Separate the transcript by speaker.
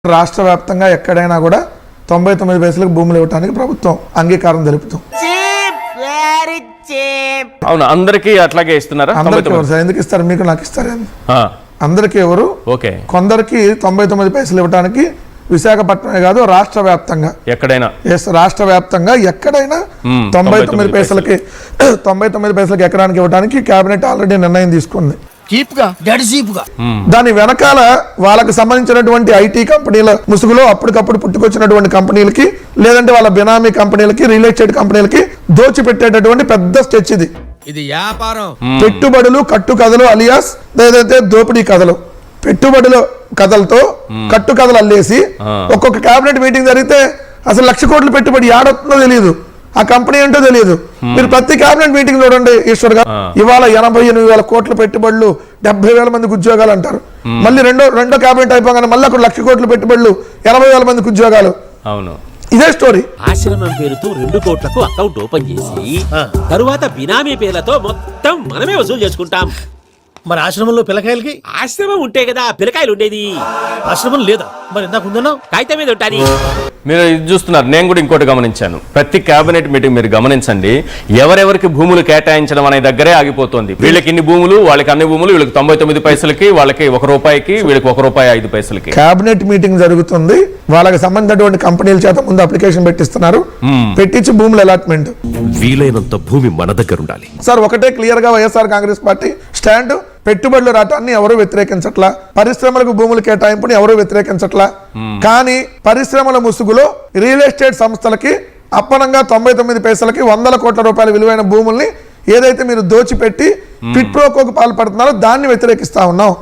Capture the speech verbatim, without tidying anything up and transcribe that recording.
Speaker 1: రాష్ట్ర వ్యాప్తంగా ఎక్కడైనా కూడా తొంభై తొమ్మిది పైసలకు భూములు ఇవ్వడానికి ప్రభుత్వం అంగీకారం తెలుపుతాం.
Speaker 2: అవును, అందరికీ అట్లాగే ఇస్తున్నారా?
Speaker 1: అందరికీ ఎవరు సార్? ఎందుకు ఇస్తారు? మీకు నాకు ఇస్తారు? అందరికీ ఎవరు?
Speaker 2: ఓకే,
Speaker 1: కొందరికి తొంభై తొమ్మిది పైసలు ఇవ్వడానికి విశాఖపట్నమే కాదు రాష్ట్ర వ్యాప్తంగా
Speaker 2: ఎక్కడైనా
Speaker 1: ఎస్ రాష్ట్ర వ్యాప్తంగా ఎక్కడైనా తొంభై తొమ్మిది పైసలకి తొంభై తొమ్మిది పైసలకి ఎకరానికి ఇవ్వడానికి కేబినెట్ ఆల్రెడీ నిర్ణయం తీసుకుంది. దాని వెనకాల వాళ్ళకి సంబంధించినటువంటి ఐటీ కంపెనీల ముసుగులో అప్పటికప్పుడు పుట్టుకొచ్చినటువంటి కంపెనీలకి లేదంటే వాళ్ళ బినామీ కంపెనీలకి రియల్ ఎస్టేట్ కంపెనీలకి దోచిపెట్టేటటువంటి పెద్ద స్కెచ్ ఇది.
Speaker 3: ఇది వ్యాపారం.
Speaker 1: పెట్టుబడులు కట్టు కథలు అలియాస్ ఏదైతే దోపిడీ కథలు, పెట్టుబడుల కథలతో కట్టు కథలు అల్లేసి ఒక్కొక్క కేబినెట్ మీటింగ్ జరిగితే అసలు లక్ష కోట్ల పెట్టుబడి ఏడొస్తుందో తెలియదు, ఆ కంపెనీ ఏంటో తెలియదు. మీరు ప్రతి కేబినెట్ మీటింగ్ చూడండి ఈశ్వర్ గారు, ఇవాళ ఎనభై ఎనిమిది వేల కోట్ల పెట్టుబడులు, డెబ్బై వేల మందికి ఉద్యోగాలు అంటారు. మళ్ళీ రెండో రెండో కేబినెట్ అయిపోగానే మళ్ళీ అక్కడ లక్ష కోట్ల పెట్టుబడులు, ఎనభై వేల మందికి ఉద్యోగాలు.
Speaker 2: అవును,
Speaker 1: ఇదే స్టోరీ.
Speaker 4: ఆశ్రమం పేరుతో రెండు కోట్లకు అకౌంట్ ఓపెన్ చేసి తరువాత బినామీ పేర్లతో మొత్తం మనమే వసూలు చేసుకుంటాం.
Speaker 3: మరి ఆశ్రమంలో పిల్లకాయలకి?
Speaker 4: ఆశ్రమం ఉంటే కదా పిల్లకాయలు ఉండేది.
Speaker 3: ఆశ్రమం లేదా? మరి ఇందాక ఉందన్నా
Speaker 4: కాగితం మీద ఉంటాయి.
Speaker 2: మీరు ఇది చూస్తున్నారు. నేను కూడా ఇంకోటి గమనించాను. ప్రతి కేబినెట్ మీటింగ్ మీరు గమనించండి, ఎవరెవరికి భూములు కేటాయించడం అనే దగ్గరే ఆగిపోతుంది. వీళ్ళకి ఇన్ని భూములు, వాళ్ళకి అన్ని భూములు, వీళ్ళకి తొంభై తొమ్మిది పైసలకి, వాళ్ళకి ఒక రూపాయికి, వీళ్ళకి ఒక రూపాయి ఐదు పైసలకి
Speaker 1: కేబినెట్ మీటింగ్ జరుగుతుంది. వాళ్ళకి సంబంధించినటువంటి కంపెనీల చేత ముందు అప్లికేషన్ పెట్టిస్తున్నారు, పెట్టించి భూముల అలాట్మెంట్.
Speaker 5: వీలైనంత భూమి మన దగ్గర ఉండాలి
Speaker 1: సార్. ఒకటే క్లియర్ గా వైఎస్ఆర్ కాంగ్రెస్ పార్టీ స్టాండ్, పెట్టుబడులు రావటాన్ని ఎవరు వ్యతిరేకించట్లా, పరిశ్రమలకు భూములు కేటాయింపుని ఎవరు వ్యతిరేకించట్లా. కానీ పరిశ్రమల ముసుగులో రియల్ ఎస్టేట్ సంస్థలకి అప్పనంగా తొంభై తొమ్మిది పైసలకి వందల కోట్ల రూపాయల విలువైన భూముల్ని ఏదైతే మీరు దోచిపెట్టి పిట్ ప్రోకోకు పాల్పడుతున్నారో దాన్ని వ్యతిరేకిస్తా ఉన్నాం.